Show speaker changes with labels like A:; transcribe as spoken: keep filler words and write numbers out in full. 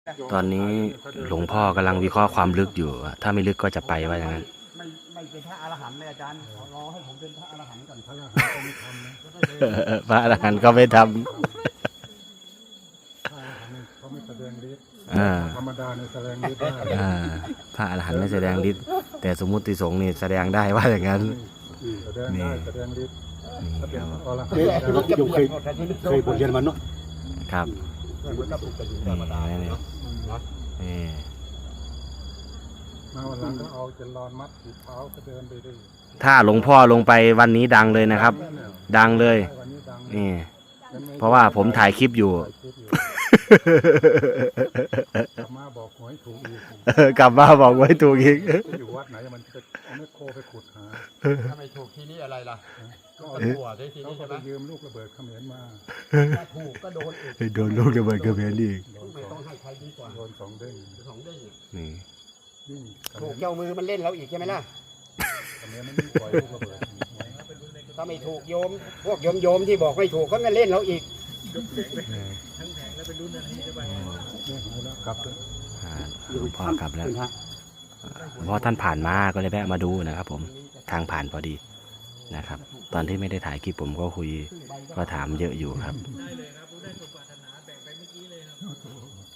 A: ตอนนี้หลวงพ่อกำลังวิเคราะห์ความลึกอยู่ ถ้าไม่ลึกก็จะไปว่าอย่างนั้น
B: ไม่ไม่เป็นพระอรหันต์เลยอาจารย์รอให้ผมเป็นพระอรหันต์ก่อนพระอรหันต์ก็ไม่ทำนะ
A: พระอรหันต์ก็ไม่ทำ
B: พระอรหันต์เขาไม่แสดงฤทธิ์ธรรมดาในแสดงฤทธิ์ได้
A: พระอรหันต์ไม่แสดงฤทธิ์แต่สมมุติสงฆ์นี่แสดงได้ว่าอย่างนั้น
B: แสดงได้แสดงฤทธิ์ถ้าเป็นอรหัน
C: เนี่ย
B: ต์
C: โยมเคยเคยบวชเรียนมันเนาะ
A: ครับ
B: มันก็ถูกไปอยู่ธรรมดาเนาะ
A: นี่
B: มาวันหลังก็เอาเจลอนมัดถีบเท้าก็เดินไปได้
A: ถ้าหลวงพ่อลงไปวันนี้ดังเลยนะครับ ดังเลย
B: วันนี้ดัง
A: นี่เพราะว่าผมถ่ายคลิปอยู่
B: กลับมาบอกหวยถูกอีก
A: กลับมาบอกไว้ถูกอีก
B: อยู่วัดไหนมันจะเอาแม่โคไปขุดหา
D: ถ้าไม่ถูกทีนี้อะไรล่ะ
B: ก็
D: ก็หัวได้ที
B: เขา
D: นี้
B: ก็
D: ใช่ไห
B: ไป
D: ม
B: ยืมลูกระเบิดเขมรมา
D: ถ้าถูกก็โดนอีก
A: โดนลูกระเบิดกระเบนอีก
B: โดน
D: ไม่
B: สอ
D: ต้อง งให้ใครดีกว่า
B: โดนสองเด้ง
D: สองเด้ง
A: นี่
B: ยิ่งเขม
D: ถูก
B: ร
D: เจ้ามือมันเล่นเราอีกใช่ไหมล่ะ
B: เขมรมันยิ่งปล่อยลูกระเบิด
D: ถ้าไม่ถูกโยม พวกโยมโยมที่บอกไม่ถูกเขาก็เล่นเราอีก
B: เนี่ยหายแล้วกลับเลย
A: อ่าหลวงพ่อกลับแล้วหลวงพ่อท่านผ่านมาก็เลยแวะมาดูนะครับ ผมทางผ่านพอดีนะครับ ตอนที่ไม่ได้ถ่ายคลิปผมก็คุยก็ถามเยอะอยู่ครับ